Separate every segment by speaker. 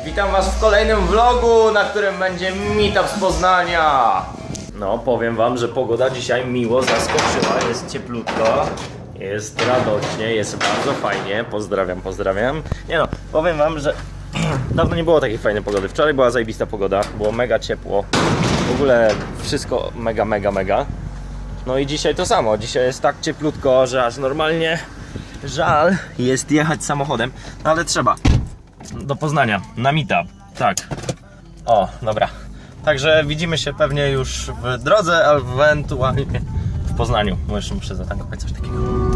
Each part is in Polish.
Speaker 1: Witam was w kolejnym vlogu, na którym będzie meetup z Poznania. No, powiem wam, że pogoda dzisiaj miło zaskoczyła, jest cieplutko, jest radośnie, jest bardzo fajnie, pozdrawiam. Nie no, powiem wam, że dawno nie było takiej fajnej pogody. Wczoraj była zajebista pogoda, było mega ciepło, w ogóle wszystko mega. No i dzisiaj to samo, dzisiaj jest tak cieplutko, że aż normalnie żal jest jechać samochodem, no ale trzeba. Do Poznania, na meetup, tak. O, dobra. Także widzimy się pewnie już w drodze, albo ewentualnie w Poznaniu. Jeszcze muszę zatankować coś takiego.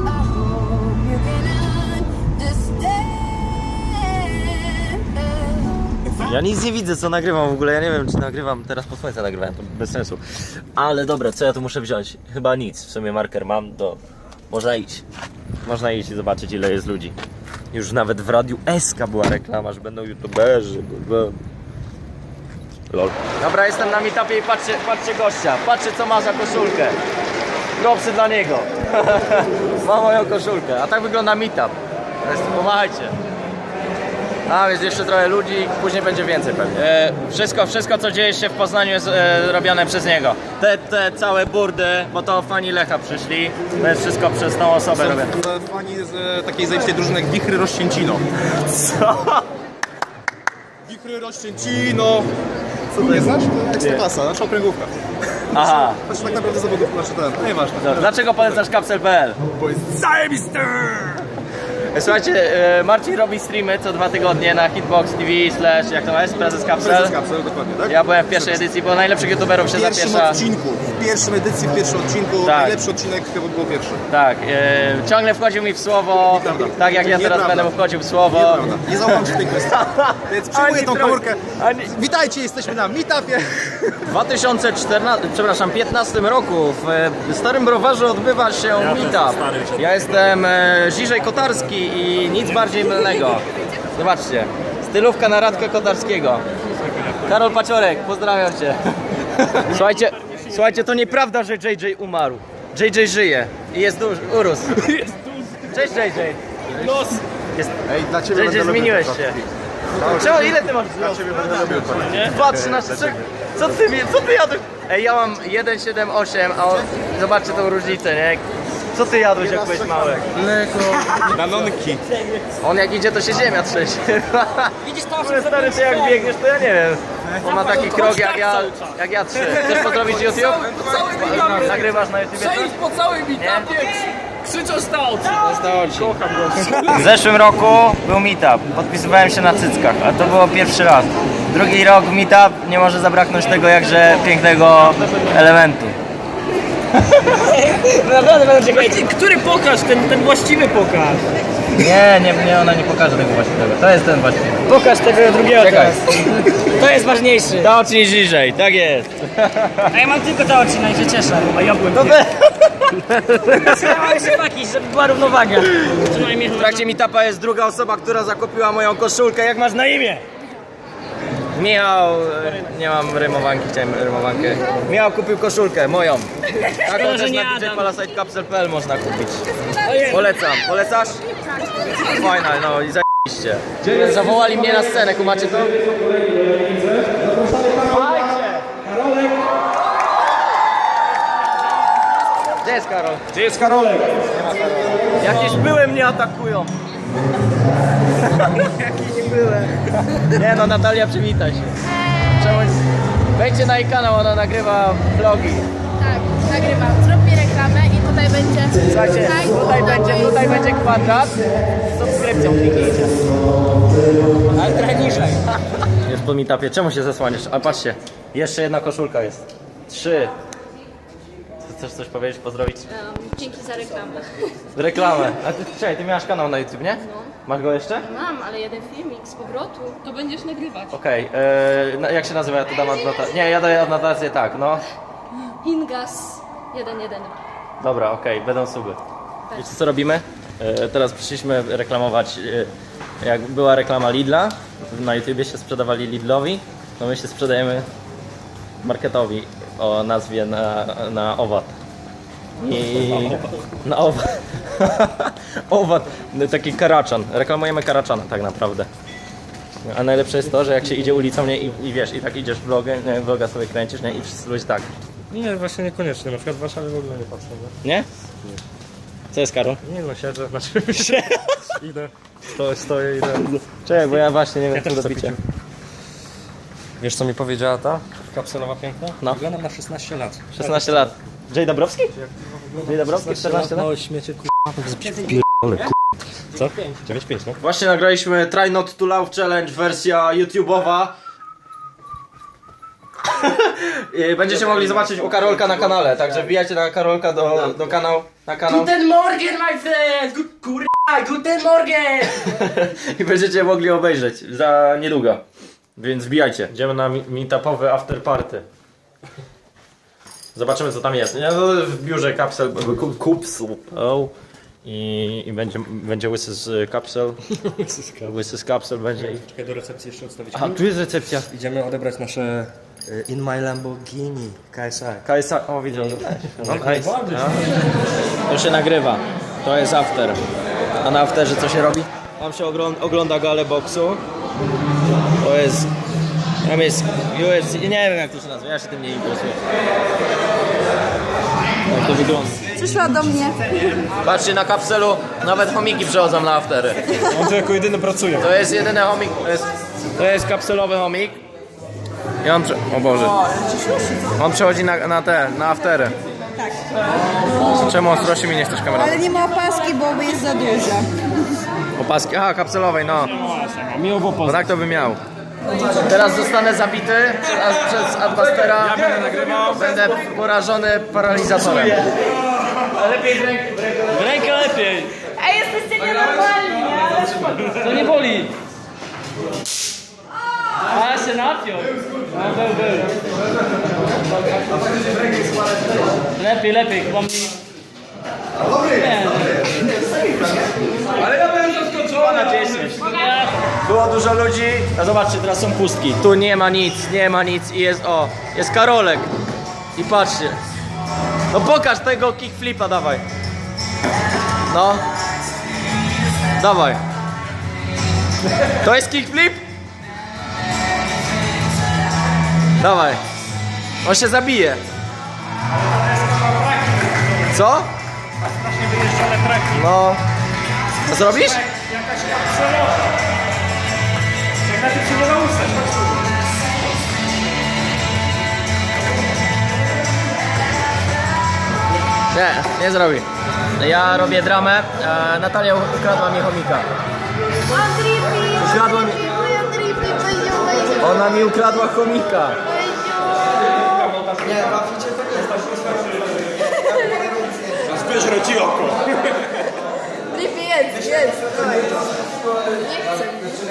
Speaker 1: Ja nic nie widzę, co nagrywam w ogóle. Ja nie wiem, czy nagrywam teraz po słońcu nagrywałem, to bez sensu. Ale dobra, co ja tu muszę wziąć? Chyba nic. W sumie marker mam, to można iść. Można iść i zobaczyć, ile jest ludzi. Już nawet w Radiu SK była reklama, że będą youtuberzy. Lol. Dobra, jestem na meetupie i patrzcie gościa. Patrzcie, co ma za koszulkę. Propsy dla niego. Ma moją koszulkę. A tak wygląda meetup. Pomachajcie. A więc jeszcze trochę ludzi, później będzie więcej pewnie. Wszystko co dzieje się w Poznaniu jest robione przez niego. Te całe burdy, bo to fani Lecha przyszli. To jest wszystko przez tą osobę robione.
Speaker 2: Fani z takiej zajebistej drużyny jak Wichry Rościęcino.
Speaker 1: Co?
Speaker 2: Wichry Rościęcino! Co to nie znasz? To Ekstraklasa, nasza okręgówka.
Speaker 1: Aha.
Speaker 2: Znaczy tak naprawdę zawodów, no nieważne.
Speaker 1: Dlaczego polecasz Kapsel.pl?
Speaker 2: Bo jest zajebisty!
Speaker 1: Słuchajcie, Marcin robi streamy co 2 tygodnie na Hitbox TV / jak to jest? Prezes Kapsel.
Speaker 2: Prezes Kapsel, dokładnie, tak?
Speaker 1: Ja byłem w pierwszej edycji, bo najlepszych youtuberów się
Speaker 2: W pierwszym
Speaker 1: zapiesza.
Speaker 2: odcinku, w pierwszym edycji, w pierwszym odcinku,
Speaker 1: Tak.
Speaker 2: najlepszy odcinek chyba był pierwszy.
Speaker 1: Tak, ciągle wchodził mi w słowo,
Speaker 2: Nieprawda.
Speaker 1: tak jak ja teraz
Speaker 2: Nieprawda.
Speaker 1: będę mu wchodził w słowo.
Speaker 2: Nieprawda, nie zaufam ci w tej kwestii. Więc przyjmuję tą komórkę.
Speaker 1: Ani...
Speaker 2: Witajcie, jesteśmy na meetupie.
Speaker 1: W 2015 roku w Starym Browarze odbywa się meetup. Ja jestem Ziżej Kotarski i nic bardziej mylnego. Zobaczcie, stylówka na Radka Kotarskiego. Karol Paciorek, pozdrawiam cię. Słuchajcie, to nieprawda, że JJ umarł. JJ żyje i jest urósł. Cześć JJ.
Speaker 3: Nos!
Speaker 2: Ej, dla ciebie
Speaker 1: JJ, zmieniłeś się. Czemu, ile ty masz
Speaker 2: Dla ciebie będę robił to.
Speaker 1: 2,13. Co ty jadłeś? Ej, ja mam 1,78, a on, zobaczcie tą różnicę, nie? Co ty jadłeś, jak byłeś mały?
Speaker 2: Mleko. Danonki.
Speaker 1: On jak idzie, to się ziemia trzęsie.
Speaker 3: Widzisz to,
Speaker 1: Kurde, stary, ty jak biegniesz, to ja nie wiem. On ma taki krok jak ja 3. Chcesz pozdrowić YouTube? Nagrywasz na YouTube?
Speaker 3: Przejdź po całym meetupie, krzyczą stąd!
Speaker 1: W zeszłym roku był meetup. Podpisywałem się na cyckach, a to było pierwszy raz. Drugi rok meetup, nie może zabraknąć tego jakże pięknego elementu.
Speaker 3: Naprawdę będę czekać. Który pokaż, ten właściwy pokaż.
Speaker 1: Nie, ona nie pokaże tego właściwego. To jest ten właściwy.
Speaker 3: Pokaż tego drugiego
Speaker 1: Czekaj.
Speaker 3: teraz. To jest ważniejszy.
Speaker 1: Ta oczy niżej, tak jest.
Speaker 3: A ja mam tylko te oczy, no i się cieszę. A ja byłem Trzymałem się paki, żeby była równowaga. Przynajmniej
Speaker 1: W trakcie meetupa jest druga osoba, która zakupiła moją koszulkę. Jak masz na imię? Michał, nie mam rymowanki, chciałem rymowankę. Michał kupił koszulkę, moją. Taką
Speaker 3: Szkoda, że
Speaker 1: też
Speaker 3: nie
Speaker 1: na
Speaker 3: Adam.
Speaker 1: djpalasitecapsel.pl można kupić.
Speaker 3: Ojej.
Speaker 1: Polecam, polecasz? Fajna, no i zajebiście. Zawołali mnie na scenę, kumacie to? Gdzie jest Karol?
Speaker 2: Gdzie jest Karolek?
Speaker 1: Jakieś były mnie atakują. Jakieś były. Nie no, Natalia, przywitaj się. Czemu... Wejdźcie na jej kanał, ona nagrywa vlogi.
Speaker 4: Tak, nagrywam. Zrób mi reklamę i tutaj będzie...
Speaker 1: Słuchajcie, tutaj będzie kwadrat z subskrypcją, kliknijcie.
Speaker 3: Ale trochę niżej.
Speaker 1: Jest po meetupie, czemu się zasłaniasz? A patrzcie, jeszcze jedna koszulka jest. 3. Chcesz coś powiedzieć, pozdrowić?
Speaker 4: Dzięki za reklamę.
Speaker 1: Reklamę. A ty, czekaj, ty miałaś kanał na YouTube, nie? Masz go jeszcze?
Speaker 4: Mam, ale jeden filmik z powrotu. To będziesz nagrywać.
Speaker 1: Okej, jak się nazywa? Ja tu dam adnotację. Nie, ja daję adnotację tak, no.
Speaker 4: Ingas 112.
Speaker 1: Dobra, okej, będą suby. Wiecie co robimy? Teraz przyszliśmy reklamować, jak była reklama Lidla, na YouTubie się sprzedawali Lidlowi, no my się sprzedajemy marketowi o nazwie na owad. I na owad. Owad, taki karaczan. Reklamujemy karaczana tak naprawdę. A najlepsze jest to, że jak się idzie ulicą, nie, i wiesz, i tak idziesz vloga sobie kręcisz, nie, i wszyscy ludzie tak.
Speaker 5: Nie, właśnie niekoniecznie. Na przykład w Warszawie w ogóle nie patrzę.
Speaker 1: Nie? Co jest, Karol?
Speaker 5: Nie no, siedzę, znaczy idę, stoję, idę.
Speaker 1: Czekaj, bo ja właśnie nie wiem,
Speaker 5: Ja też
Speaker 1: co do
Speaker 5: chcę
Speaker 1: picia.
Speaker 5: pić. Wiesz co mi powiedziała ta kapselowa piękna?
Speaker 1: No.
Speaker 5: Wyglądam na 16 lat.
Speaker 1: 16 lat. Jay Dabrowski? Jay Dabrowski, 14 lat?
Speaker 5: Małe śmiecie, k***a. Co? 9,5, no.
Speaker 1: Właśnie nagraliśmy Try Not To Love Challenge, wersja YouTube'owa. Będziecie mogli zobaczyć u Karolka na kanale, także wbijajcie na Karolka do kanału.
Speaker 3: Guten Morgen, my friend! Kurwa, guten Morgen!
Speaker 1: I będziecie mogli obejrzeć za niedługo. Więc wbijajcie. Idziemy na meetupowy after party. Zobaczymy co tam jest. W biurze kapsel. I będzie łysy z kapsel. Łysy z kapsel będzie.
Speaker 5: Czekaj, do recepcji jeszcze odstawić.
Speaker 1: A, tu jest recepcja.
Speaker 5: Idziemy odebrać nasze In My Lamborghini KSI.
Speaker 1: KSA, o widzę. No, nice. To się nagrywa. To jest after. A na afterze co się robi? Tam się ogląda galę boksu. To jest... Tam jest UFC, nie wiem jak to się nazywa, ja się tym nie interesuję. Jak to wygląda.
Speaker 4: Przyszła do mnie.
Speaker 1: Patrzcie, na kapselu nawet chomiki przechodzą na aftery.
Speaker 5: On tu jako jedyny pracuje.
Speaker 1: To jest jedyny chomik, to jest kapselowy chomik. I on, o Boże. On przechodzi na aftery.
Speaker 6: Tak.
Speaker 1: Czemu ostrości mi nie chcesz kamerą?
Speaker 6: Ale nie ma opaski, bo jest za duża.
Speaker 1: Opaski, aha, kapselowej, no.
Speaker 5: Miło było
Speaker 1: No
Speaker 5: poznać.
Speaker 1: tak to by miał. Teraz zostanę zabity przez Adbustera.
Speaker 5: Ja będę nagrywał.
Speaker 1: Będę porażony paralizatorem.
Speaker 3: W rękę lepiej!
Speaker 4: Ej, jesteście nienormalni, nie?
Speaker 3: To nie boli! A się napiął! Był. Lepiej, chyba mi... Nie.
Speaker 1: Ale ja byłem zaskoczony na 10. Było dużo ludzi, a zobaczcie, teraz są pustki. Tu nie ma nic i jest Karolek. I patrzcie. No pokaż tego kickflipa, dawaj. No. Dawaj. To jest kickflip? Dawaj. On się zabije. Co? No. Co zrobisz? Nie zrobi. Ja robię dramę. Natalia ukradła mi chomika. Ukradła mi... Ona mi ukradła chomika.
Speaker 5: Zbierz rodzi oko.
Speaker 4: Drippy jest. Nie chcę.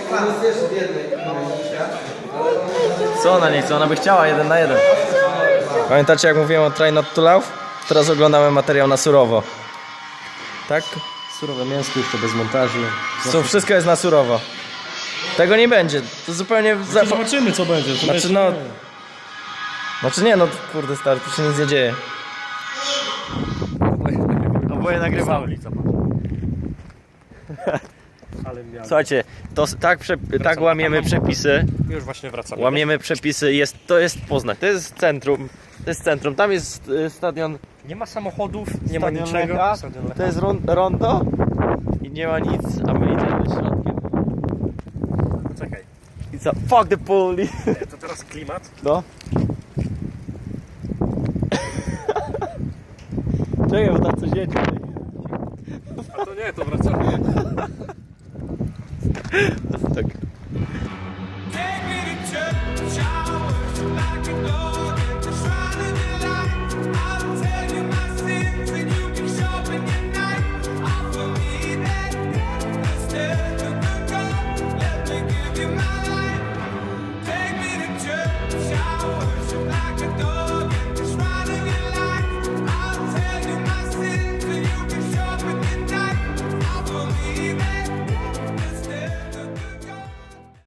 Speaker 1: Co ona nie chce? Ona by chciała 1 na 1. Pamiętacie jak mówiłem o Try Not To Love? Teraz oglądamy materiał na surowo. Tak?
Speaker 5: Surowe mięsko jeszcze bez montażu.
Speaker 1: Wszystko jest na surowo. Tego nie będzie. To zupełnie...
Speaker 5: Zobaczymy co będzie.
Speaker 1: Znaczy nie, no kurde stary, tu się nic nie dzieje. Oboje nagrywamy. Słuchajcie, tak łamiemy przepisy.
Speaker 5: Już właśnie wracamy.
Speaker 1: Łamiemy przepisy, to jest Poznań, to jest centrum, tam jest stadion.
Speaker 5: Nie ma samochodów, nie ma
Speaker 1: Stadion
Speaker 5: niczego.
Speaker 1: Lecha,
Speaker 5: Stadion Lecha.
Speaker 1: to jest rondo i nie ma nic, a my idziemy środkiem.
Speaker 5: Czekaj,
Speaker 1: I co? Fuck the police!
Speaker 5: to teraz klimat.
Speaker 1: No. Czekaj, bo tam coś jedzie.
Speaker 5: A to nie, to wracamy.
Speaker 1: Tak.
Speaker 7: Give you my